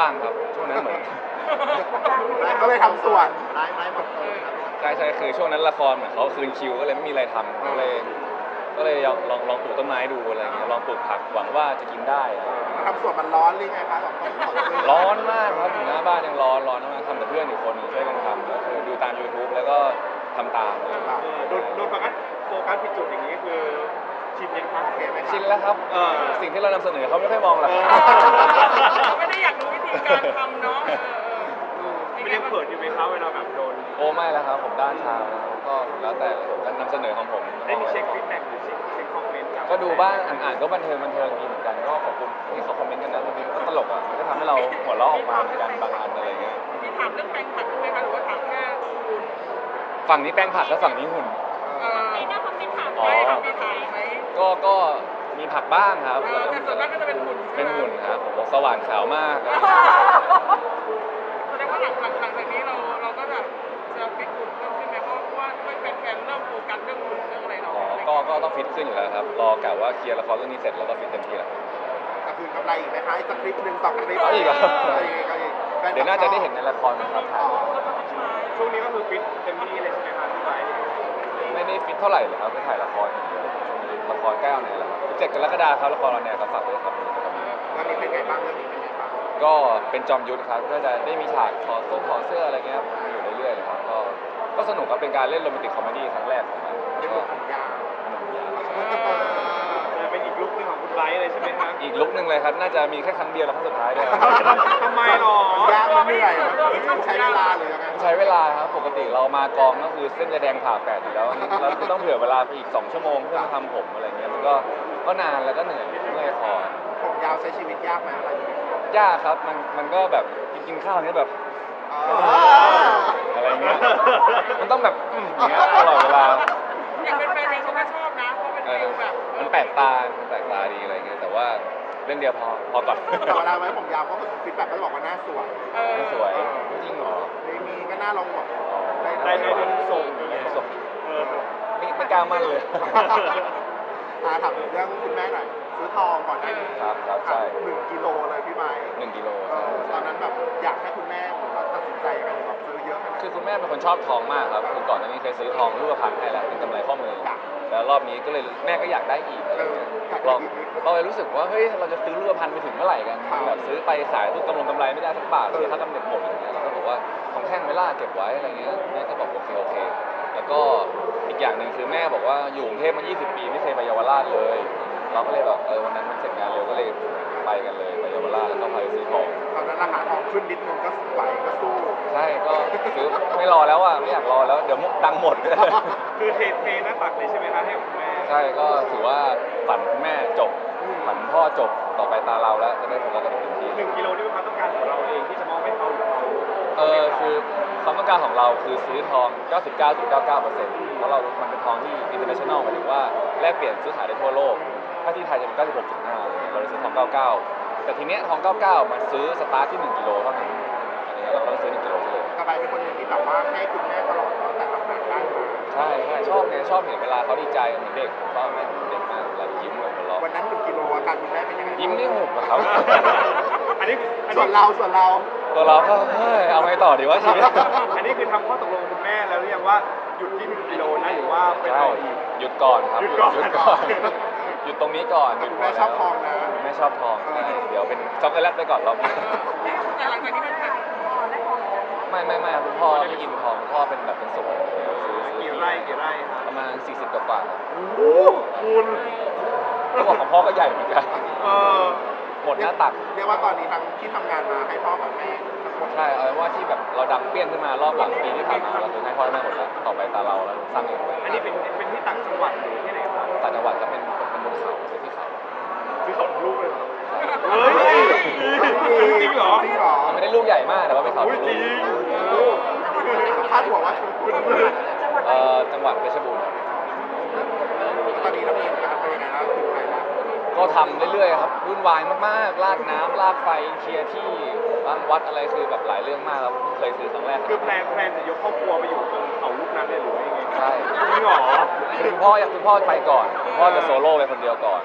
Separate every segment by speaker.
Speaker 1: ว่างครับช่วงนั้นเหมือน
Speaker 2: ก็เลยทำสวนไม้หมด
Speaker 1: ใช่คือช่วงนั้นละครเหมือนเขาคืนคิวก็เลยไม่มีอะไรทำก็เลยลองปลูกต้นไม้ดูอะไรเงี้ยลองปลูกผักหวังว่าจะกินได้
Speaker 2: ทำสวนมันร้อนหรือไงคะแบบต้องถอดเสื้อ
Speaker 1: ร้อนมากครับอยู่หน้าบ้านยังร้อนมากทำกับเพื่อนอีกคนหนึ่งช่วยกันทำแล้วคือดูตาม YouTube แล้วก็ทำตาม
Speaker 3: โดนโฟกัสผิดจุดอย่างนี้คือชินยังครับ
Speaker 2: โอเคไหมครับ
Speaker 1: ชินแล้วครับสิ่งที่เรานำเสนอเขาไม่ค่อยมองหรอก
Speaker 4: เขาไม่ได้อยากรู้วิธีการทำเนาะ
Speaker 3: ไม่ได้เปิดอยู่ไหมครับเวลาแบบโดน
Speaker 1: โอ้ไม่แล้วครับผมด้านชาก็แล้วแต่ผมก็นำเสนอของผม
Speaker 3: ได้มีเช็คฟีดแบ็กหรือเช็คคอมเมนต์
Speaker 1: ก็ดูบ้างอ่านก็บันเทิงดีเหมือนกันก็ขอบคุณที่เขาคอมเมนต์กันนะบางทีมันก็ตลกอ่ะมันก็ทำให้เราหัวเราะออกมาเหมือนกันบางอันอะไรเงี้ย
Speaker 4: มีถามเรื่องแปลงผักด้วยไหมคะหรือว่าถามแค่คุณ
Speaker 1: ฝั่งนี้แป้งผักแล้วฝั่งนี้หุ่น
Speaker 4: นี่น่าจะเป็นถามไหมถามมีถามไหม
Speaker 1: ก็มีผักบ้างครับ
Speaker 4: แต่ส่วนมากก็จะเป็นหุ่น
Speaker 1: เป็นหุ่นครับผมบอกสว่านขาวมาก
Speaker 4: แสดงว่าหลังจากนี้เราก็จะฟิตหุ่นเพิ่มขึ้นไหมเพราะว่าแฟนๆเริ่มโฟกัสเรื่องหุ่นเรื่องอะไรเรา
Speaker 1: ก็ต้องฟิตขึ้นอยู่แล้วครับรอกะว่าเคลียร์ละครเรื่องนี้เสร็จแล้วก็ฟิตเต็มที่แล้ว
Speaker 2: จะคืนกำไรอีกไหมคะอีกสักคลิปหนึ่ง2 คลิป
Speaker 1: เอาอีกเหรอ
Speaker 2: ก็อีก
Speaker 1: เดี๋ยวน่าจะได้เห็นในละครนะครับถ่าย
Speaker 3: ช่วงนี้ก็คือฟิตเต็มที่เลยใช่ไหมครับพี่ไบร์ท
Speaker 1: ไม่ได้ฟิตเท่าไหร่เลยครับไปถ่ายละครอย่างเดียวช่วงนี้ละครใกล้เอาไหนแล้วครับ17 กรกฎาคมครับละครเราเนี่ยก็ฝากด้วยครับ
Speaker 2: เรื่องนี้เป็นไงบ้างเรื่องนี้เป็นไงบ้าง
Speaker 1: ก็เป็นจอมยุทธครับก็จะได้มีฉากถอดเสื้ออะไรเงี้ยอยู่เรื่อยๆเลยครับก็สนุกครับเป็นการเล่นโรแมนติกคอมเมดี้ครั้งแรกของมัน
Speaker 2: เป็น
Speaker 1: ก็
Speaker 2: ลูกผมยาว
Speaker 1: สนุกดีครับ
Speaker 3: จะเป็นอีกลุคนึงของคุณไบร์ทเลยใช่ไหมครับ
Speaker 1: อีกลุกหนึ่งเลยครับน่าจะมีแค่ครั้งเดียวแล้วครั้งสุดท้ายด้วยครับ
Speaker 3: ทำไมหรอ
Speaker 2: มันยากมันเหนื่อยมันใช้เวลาหรือยังไง
Speaker 1: ใช้เวลาครับปกติเรามากองก็คือเส้นจะแดงผ่าแปดอยู่แล้วเราคือต้องเผื่อเวลาไปอีก2 ชั่วโมงเพื่อมาทำผมอะไรเงี้ยมันก็นานแล้วก็เหนื่อยเมื่อยคอ
Speaker 2: ผมยาวใช้ชีวิตยากไหมอะไรอย่างเงี้ย
Speaker 1: ยากครับมันก็แบบกินข้าวเนี้ยแบบ อะไรเงี้ยมันต้องแบบอย่างเงี้ยตลอดเวลา
Speaker 4: อยากเป็นแฟนเองเขาก็ชอบนะเพราะเป็นฟิลแบบ
Speaker 1: มันแปลกตาดีอะไรเงี้ยแต่ว่าเรื่องเดียวพอก่อน
Speaker 2: แต่เวลาไว้ผมยาวก็ฟีดแบ็กก็จะบอกว่าหน้าสวย
Speaker 1: ไม่สวยจริงเหรอ
Speaker 2: มีก็หน้าลงแบบ
Speaker 3: ได้ส่ง
Speaker 1: ไม่ส่ง
Speaker 3: เออ
Speaker 1: ไม่กล้ามั่นเลย
Speaker 2: ถามเรื่องคุณแม่หน่อยซื้อทองก่อนได้
Speaker 1: ครับใช่
Speaker 2: 1 กิโลเลยพี่ไบร์ท
Speaker 1: 1 กิโล
Speaker 2: ตอนนั้นแบบอยากให้คุณแม่ตัดสินใจยังไงแบบซื้อเยอะขนาด
Speaker 1: คือคุณแม่เป็นคนชอบทองมากครับคือก่อนหน้านี้เคยซื้อทองรูปพรรณให้แล้วเป็นกำไรข้อมือแล้วรอบนี้ก็เลยแม่ก็อยากได้อีกอะไรเงี้ยเราเลยรู้สึกว่าเฮ้ยเราจะซื้อรูปพรรณไปถึงเมื่อไหร่กันแบบซื้อไปขายทุกกำไรไม่ได้สักบาทเลยถ้ากำเนิดหมดอย่างเงี้ยเราก็บอกว่าของแท่งไม่ล่าเก็บไว้อะไรเงี้ยแม่ก็บอกโอเคแล้วก็อีกอย่างหนึ่งคือแม่บอกว่าอยู่กรุงเทพมา20 ปีไม่เคยไปเยาวราชเลย เราก็เลยแบบวันนั้นมันเสร็จงานเร็วก็เลยไปกันเลยไปเยาวราชแล้วก็พาไปซื้อทอง
Speaker 2: ตอนนั้นราคาทองขึ้นนิดนึงก็ไหวก็สู้
Speaker 1: ใช่ก็ซื้อไม่รอแล้วอ่ะไม่อยากรอแล้วเดี๋ยวดังหมด
Speaker 3: คือเทหน้าตักเลยใช่ไหมครับให้คุณแม่
Speaker 1: ใช่ก็ถือว่าฝันคุณแม่จบฝันพ่อจบต่อไปตาเราแล้วจะได้โฟกัสกันเต็มที่
Speaker 3: 1 กิโลนี่เป็นความต้องการของเราเองที่จะมอบให้เขาหรือเขา
Speaker 1: คือความต้องการของเราคือซื้อทอง 99.99%เพราะมันเป็นทองที่ international หมายถึงว่าแลกเปลี่ยนซื้อขายได้ทั่วโลกถ้าที่ไทยจะเป็น 96.5 เราเลยซื้อทอง 99 แต่ทีเนี้ยทอง 99 มันซื้อสตาร์ทที่ 1 กิโลเท่านั้นอันนี้เราต้องซื้อ 1 กิโลเลย
Speaker 2: กระบายเป็นคนหนึ่งที่แบบว่าให้คุณแม่ตลอดตั้งแต่ทำงานได้มา
Speaker 1: ใช่ชอบไงชอบเห็นเวลาเขาดีใจเหมือนเด็กผมชอบแม่เหมือนเด็กมากเวลายิ้มแบบหัวเราะ
Speaker 2: วันนั้น1 กิโลอาการคุณแม่เป็นยังไง
Speaker 1: ยิ้มนี่หุบอะครับ
Speaker 3: อันนี้
Speaker 2: ส่วนเรา
Speaker 1: ตัวเราก็เฮ้ยเอาไงต่อดีวะชีวิต
Speaker 3: อันนี้คือทำข้อตกลงกับคุณแม่แล้วหรือยังว่าหยุดที่1 กิโลนะหรือว่าไป
Speaker 1: ใช่
Speaker 3: ต่ออีก
Speaker 1: หยุดก่อนครับ
Speaker 3: หยุดก่อน
Speaker 1: หยุดตรงนี้ก่อนหยุด
Speaker 2: คุณแม่ชอบทองนะ
Speaker 1: แม่ชอบทองใช่เดี๋ยวเป็นช็อกโกแลตไปก่อนรอบนี้
Speaker 4: แต่หลังจากนี้มันผ่าน
Speaker 1: ไม่คุณพ่อไม่กินทองคุณพ่อเป็นแบบเป็นสุกซื้อ
Speaker 3: กี่ไร่ครับ
Speaker 1: ประมาณ40 กว่าครับ
Speaker 3: โอ้คุณ
Speaker 1: ก็บอกของพ่อก็ใหญ่เหมือนกัน
Speaker 3: เออ
Speaker 1: หมดหน้าตัก
Speaker 2: เรียกว่าตอนนี้ทั้งที่ทำงานมาให้พ่อกับแม่ทั้งหมด
Speaker 1: ใช่เอาเป็นว่าที่แบบเราดังเปี้ยนขึ้นมารอบหลังปีที่ผ่านมาเราคือให้พ่อให้แม่หมดแล้วต่อไปตาเราแล้วสร้างเอง
Speaker 3: อันนี้เป็นที่ต่างจังหวัดหรือที่ไหนครับ
Speaker 1: ต่างจังหวัดก็เป็นบนเขาเป็นที่เขา
Speaker 3: ซื้อเขาลูกเลยเหรอ
Speaker 1: ใช่
Speaker 3: เฮ้ยจริงเหรอ
Speaker 2: จริงเหรอ
Speaker 1: มันไม่ได้ลูกใหญ่มากแต่ว่าเป็นเขา
Speaker 3: อุ้ยจริง
Speaker 2: คาดหัวว่า
Speaker 1: จังหวัดเพชรบูรณ์ครับ
Speaker 2: ตอนนี้เรามีการเป็นยังไงแล้วถึงไหนแล้ว
Speaker 1: ก็ทำเรื่อยๆครับวุ่นวายมากๆลากน้ำลากไฟเคลียร์ที่ตั้งวัดอะไรคือแบบหลายเรื่องมากครับเพิ่งเคยซื้อครั้งแรก
Speaker 3: คือแพลนจะยกครอบครัวไปอยู่ตรงเขาลูกนั้นเลยหรือว่ายังไง
Speaker 1: ใช่
Speaker 3: จริงเหรอ
Speaker 1: คุณพ่อไปก่อนคุณพ่อจะโซโล่ไปคนเดียวก่อนแบบ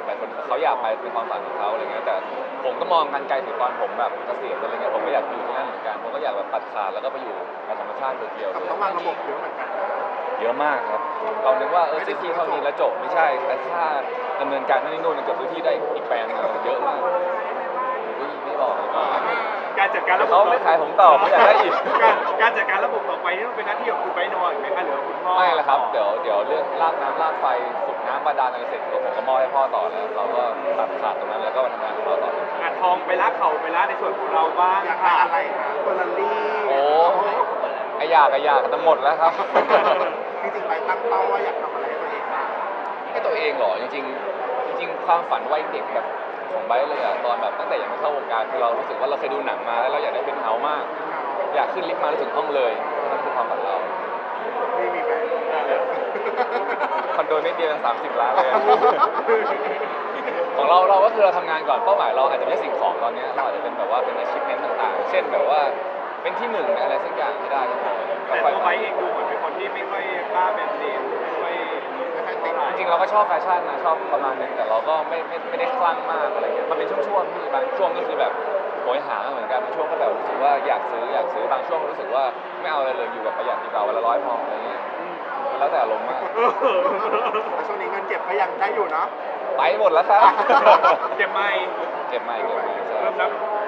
Speaker 1: หลายคนเขาอยากไปเป็นความฝันของเขาอะไรเงี้ยแต่ผมก็มองกันไกลถึงตอนผมแบบเกษียณอะไรเงี้ยผมก็อยากอยู่ที่นั่นเหมือนกันผมก็อยากแบบตัดขาดแล้วก็ไปอยู่กับธรรมชาติเดียวๆ
Speaker 2: แต่
Speaker 1: เลย
Speaker 2: ต้องวางระบบเยอะเหมือนกันนะ
Speaker 1: เยอะมากครับเรานึกว่าซื้อที่เท่านี้แล้วจบไม่ใช่แต่ค่าดำเนินการนั่นนี่นู่นเกือบซื้อที่ได้อีกแปลงนึงเยอะมากอุ้ยไม่บอกเลยว่า
Speaker 3: การจัดการ
Speaker 1: แต่
Speaker 3: ระบบ
Speaker 1: เขาไม่ขายผมต่อเขาอยากได้อีก
Speaker 3: การจัดการระบบต่อไปนี่ต้องเป็นหน้าที่ของคุณไปนอนไหมคะหรือว่าคุณพ่อ
Speaker 1: ไม่ละครับเดี๋ยวเรื่องลากน้ำลากไฟขุดน้ำบาดาลอะไรเสร็จแล้วผมก็มอบให้พ่อต่อแล้วเราก็ตัดขาดตรงนั้นแล้วก็มาทำงานของเราต่อ
Speaker 3: อาทองไปละเขาไปละในส่วนของเราบ้าง
Speaker 2: อยากได้อะไรคะเฟอร์รารี่
Speaker 1: โอ้ไออยากกันทั้งหมดแล้วครับ
Speaker 2: จริงๆไปตั้งเป้าว่าอยากทำอะไรให้ตัวเองบ้าง
Speaker 1: ให้ตัวเองเหรอจริงๆความฝันวัยเด็กแบบของไบร์ทเลยอะตอนแบบตั้งแต่ยังไม่เข้าวงการคือเรารู้สึกว่าเราเคยดูหนังมาแล้วเราอยากได้เป็นเฮาส์มาก อยากขึ้นลิฟต์มาแล้วถึงห้องเลยนั่นคือความฝันเรา
Speaker 2: ไม่มีแบรนด์
Speaker 1: คอนโดนิดเดียว30 ล้านเลย ของเราก็คือเราทำงานก่อนเป้าหมายเราอาจจะไม่ใช่สิ่งของตอนนี้เราอาจจะเป็นแบบว่าเป็น achievement ต่างๆ เช่นแบบว่าเป็นที่หนึ่งในอะไรสักอย่างที่ได้ก็พอ
Speaker 3: แต่ตัวไบค์เองดูเหมือนเป็นคนที่ไม่ค่อยกล้าแบรนด์เนมไม่ค่อย
Speaker 2: ติด
Speaker 1: จริงๆเราก็ชอบแฟชั่นนะชอบประมาณนึงแต่เราก็ไม่ได้คลั่งมากอะไรเงี้ยมันเป็นช่วงๆที่บางช่วงก็คือแบบโหยหาเหมือนกันบางช่วงก็แบบรู้สึกว่าอยากซื้อบางช่วงรู้สึกว่าไม่เอาอะไรเลยอยู่แบบประหยัดดีกว่าวันละ100พออะไรเงี้ยมันแล้วแต่อารมณ์มาก
Speaker 2: แต่ช่วงนี้เงินเก็บก็ยังได้อยู่เนาะ
Speaker 1: ไปหมดแล้วครับ
Speaker 3: เก็บไม่
Speaker 1: เก็บไม่ใช่
Speaker 3: เริ่มแล้ว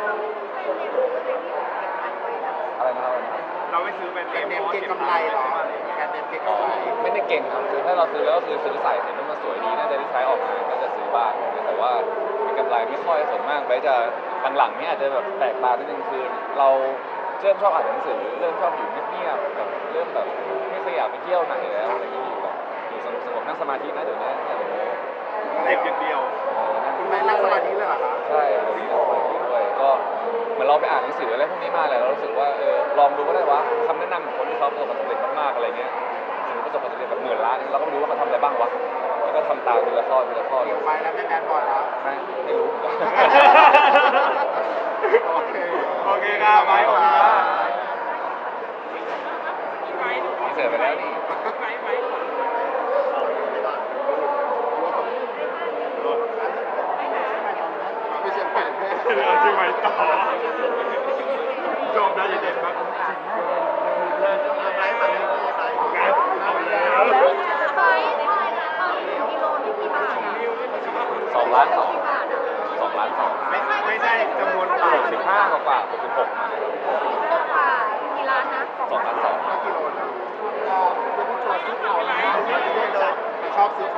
Speaker 1: อะไรนะครับ
Speaker 3: เราไม่ซื้อแบรนด์
Speaker 2: แบ
Speaker 3: เน
Speaker 2: รน
Speaker 3: ม
Speaker 2: ด์เนมเก็งกำไรเหรอแบรนด์เนมเก็ง
Speaker 1: อ๋อก
Speaker 2: ำไร
Speaker 1: ไม่ได้เก่งครับคือถ้าเราซื้อแล้วก็คือซื้อใส่เห็นว่ามันสวยดีน่าจะได้ใช้ออกงานก็จะซื้อบ้างแต่ว่าเป็นกำไรไม่ค่อยส่วนมากไปจะหลังๆนี่อาจจะแบบแปลกตานิดนึงคือเราเริ่มชอบอ่านหนังสือเริ่มชอบอยู่เงียบๆแบบเริ่มแบบไม่เคยอยากไปเที่ยวไหนแล้วอะไรอย่างนี้อยู่แบบอยู่สงบๆนั่งสมาธินะเดี๋ยวนี้อย่าไปโม้
Speaker 3: เด็กอย่างเดียว
Speaker 1: นั่ง
Speaker 2: คุณแม่นั่งสมาธิเลยเหรอคะ
Speaker 1: ใช่เดี๋ยวนี้นั่งสมาธิด้วยก็เหมือนเราไปอ่านหนังสืออะไรพวกนี้มาแหละเรารู้สึกว่าลองดูก็ได้วะคำแนะนำของคนที่เขาประสบความสำเร็จมากๆอะไรเงี้ยสมมติประสบความสำเร็จแบบ10,000 ล้านเราก็ไม่รู้ว่าเขาทำอะไรบ้างวะแล้วก็ทำตามทีละข้อทีละข้อ
Speaker 2: เดี๋ยวไปแล้วไม่แบดบอยแล้ว
Speaker 1: ไม่รู้เหมือนกัน
Speaker 2: โอเค
Speaker 3: โอเคครับไบค์ขอบคุณมาก
Speaker 4: พี่ไว้หนู
Speaker 1: เสร็จไปแล้วนี่
Speaker 4: ไว้
Speaker 2: ไม่เชียร์แผ่นแม่
Speaker 3: เราจะไปต่อชมได้เด็ดมาก
Speaker 2: ไปฝั่งนี้ไป
Speaker 3: งานเอาแล้ว
Speaker 5: ไปถ่ายนะตอนกิโลที่กี่บาทอ่ะ
Speaker 1: 2 ล้าน 2
Speaker 5: กี่บาทอ่ะ
Speaker 1: 2 ล้าน 2
Speaker 3: ไม่ใช่จำนวนบาท
Speaker 1: 65กว่า66มาเนี่ย
Speaker 5: ตกกว่ากี่ล้านนะ
Speaker 1: 2 ล้าน 2
Speaker 2: กิโลนึงก็เป็นตัวซื้อเขาชอบซื้อเขา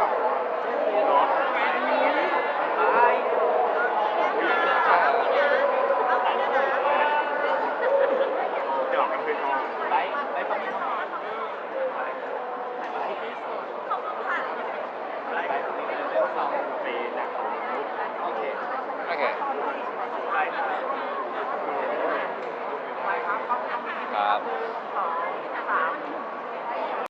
Speaker 3: จะออกกันเป็นออกไปดัก
Speaker 1: โอเค